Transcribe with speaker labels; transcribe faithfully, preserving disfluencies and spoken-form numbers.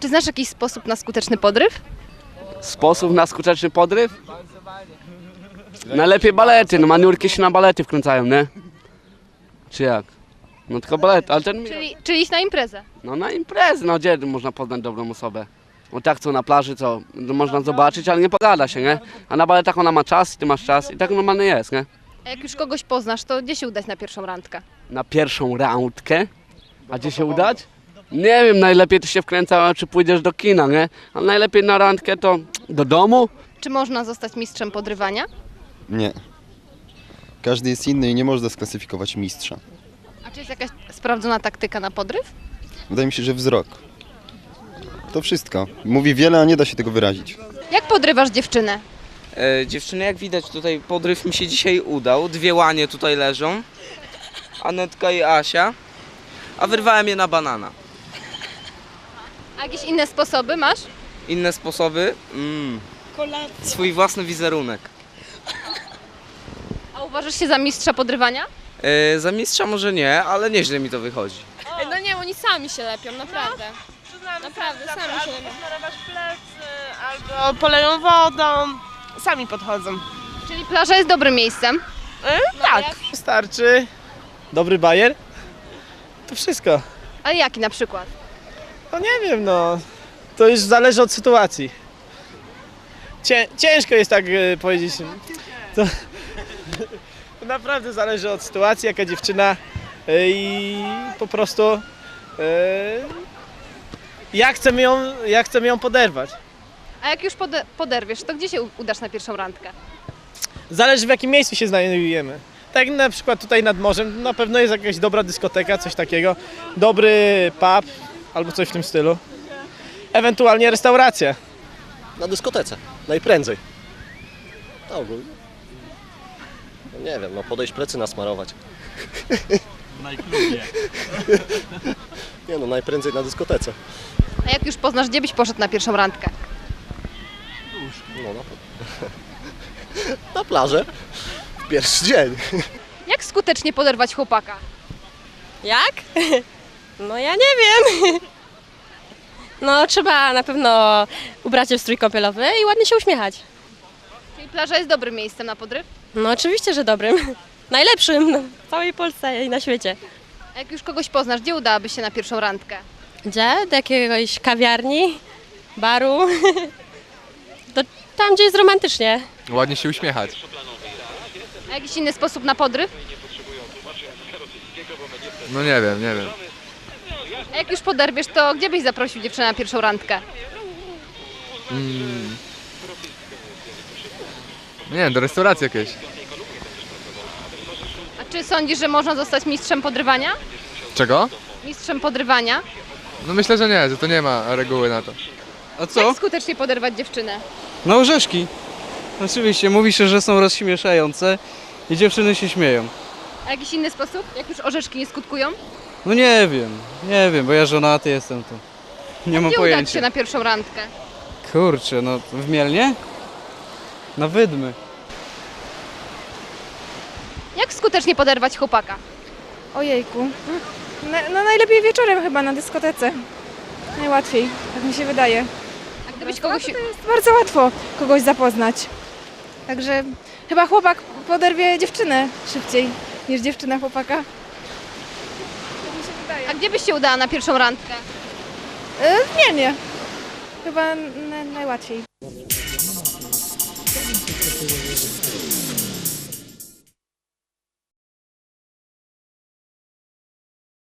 Speaker 1: znasz jakiś sposób na skuteczny podryw?
Speaker 2: Sposób na skuteczny podryw? Najlepiej balety, no maniurki się na balety wkręcają, nie? Czy jak? No tylko balet, ale ten...
Speaker 1: Czyli, czyli iść na imprezę.
Speaker 2: No na imprezę, no gdzie można poznać dobrą osobę? No tak co na plaży, co no, można zobaczyć, ale nie pogada się, nie? A na baletach ona ma czas, ty masz czas i tak normalnie jest, nie?
Speaker 1: A jak już kogoś poznasz, to gdzie się udać na pierwszą randkę?
Speaker 2: Na pierwszą randkę. A gdzie się udać? Nie wiem, najlepiej to się wkręca, czy pójdziesz do kina, nie? Ale najlepiej na randkę to do domu.
Speaker 1: Czy można zostać mistrzem podrywania?
Speaker 3: Nie. Każdy jest inny i nie można sklasyfikować mistrza.
Speaker 1: A czy jest jakaś sprawdzona taktyka na podryw?
Speaker 3: Wydaje mi się, że wzrok. To wszystko. Mówi wiele, a nie da się tego wyrazić.
Speaker 1: Jak podrywasz dziewczynę?
Speaker 4: E, dziewczyny, jak widać tutaj podryw mi się dzisiaj udał. Dwie łanie tutaj leżą. Anetka i Asia. A wyrwałem je na banana.
Speaker 1: A jakieś inne sposoby masz?
Speaker 4: Inne sposoby? Mm. Swój własny wizerunek.
Speaker 1: A uważasz się za mistrza podrywania?
Speaker 4: E, za mistrza może nie, ale nieźle mi to wychodzi.
Speaker 5: No nie, oni sami się lepią, naprawdę. Naprawdę, sami się lepią.
Speaker 6: Narywasz plecy albo poleją wodą. Sami podchodzą.
Speaker 1: Czyli plaża jest dobrym miejscem.
Speaker 6: Tak.
Speaker 7: Wystarczy dobry bajer, to wszystko.
Speaker 1: Ale jaki na przykład?
Speaker 7: No nie wiem, no to już zależy od sytuacji. Cię, ciężko jest tak e, powiedzieć. To, to naprawdę zależy od sytuacji, jaka dziewczyna e, i po prostu e, jak chcemy ją, jak chcemy ją poderwać.
Speaker 1: A jak już pode- poderwiesz, to gdzie się u- udasz na pierwszą randkę?
Speaker 7: Zależy w jakim miejscu się znajdujemy. Tak jak na przykład tutaj nad morzem, na pewno jest jakaś dobra dyskoteka, coś takiego. Dobry pub albo coś w tym stylu. Ewentualnie restauracja.
Speaker 8: Na dyskotece, najprędzej. No ogólnie. No nie wiem, no podejść plecy nasmarować.
Speaker 9: Najklubie.
Speaker 8: Nie no, najprędzej na dyskotece.
Speaker 1: A jak już poznasz, gdzie byś poszedł na pierwszą randkę?
Speaker 8: No na, na plażę. W pierwszy dzień.
Speaker 1: Jak skutecznie poderwać chłopaka?
Speaker 5: Jak? No ja nie wiem. No trzeba na pewno ubrać się w strój kąpielowy i ładnie się uśmiechać.
Speaker 1: Czyli plaża jest dobrym miejscem na podryw?
Speaker 5: No oczywiście, że dobrym. Najlepszym w całej Polsce i na świecie.
Speaker 1: A jak już kogoś poznasz, gdzie udałabyś się na pierwszą randkę?
Speaker 5: Gdzie? Do jakiegoś kawiarni, baru. Do, tam, gdzie jest romantycznie.
Speaker 9: Ładnie się uśmiechać.
Speaker 1: A jakiś inny sposób na podryw?
Speaker 9: No nie wiem, nie wiem.
Speaker 1: A jak już poderwiesz, to gdzie byś zaprosił dziewczynę na pierwszą randkę?
Speaker 9: Mm. Nie wiem, do restauracji jakiejś.
Speaker 1: A czy sądzisz, że można zostać mistrzem podrywania?
Speaker 9: Czego?
Speaker 1: Mistrzem podrywania?
Speaker 9: No myślę, że nie, że to nie ma reguły na to.
Speaker 10: A co?
Speaker 1: Jak skutecznie poderwać dziewczynę?
Speaker 10: No orzeszki. Oczywiście, mówi się, że są rozśmieszające i dziewczyny się śmieją.
Speaker 1: A jakiś inny sposób? Jak już orzeszki nie skutkują?
Speaker 10: No nie wiem, nie wiem, bo ja żonaty jestem tu. Nie mam
Speaker 1: Gdzie udać się
Speaker 10: pojęcia.
Speaker 1: na pierwszą randkę?
Speaker 10: Kurczę, no w Mielnie? Na Wydmy.
Speaker 1: Jak skutecznie poderwać chłopaka?
Speaker 11: Ojejku. No, no najlepiej wieczorem chyba na dyskotece. Najłatwiej, tak mi się wydaje.
Speaker 1: A gdybyś kogoś...
Speaker 11: To jest bardzo łatwo kogoś zapoznać. Także chyba chłopak poderwie dziewczynę szybciej niż dziewczyna chłopaka. Tak mi się wydaje.
Speaker 1: A gdzie byś się udała na pierwszą randkę?
Speaker 11: Y, nie, nie. Chyba n- najłatwiej.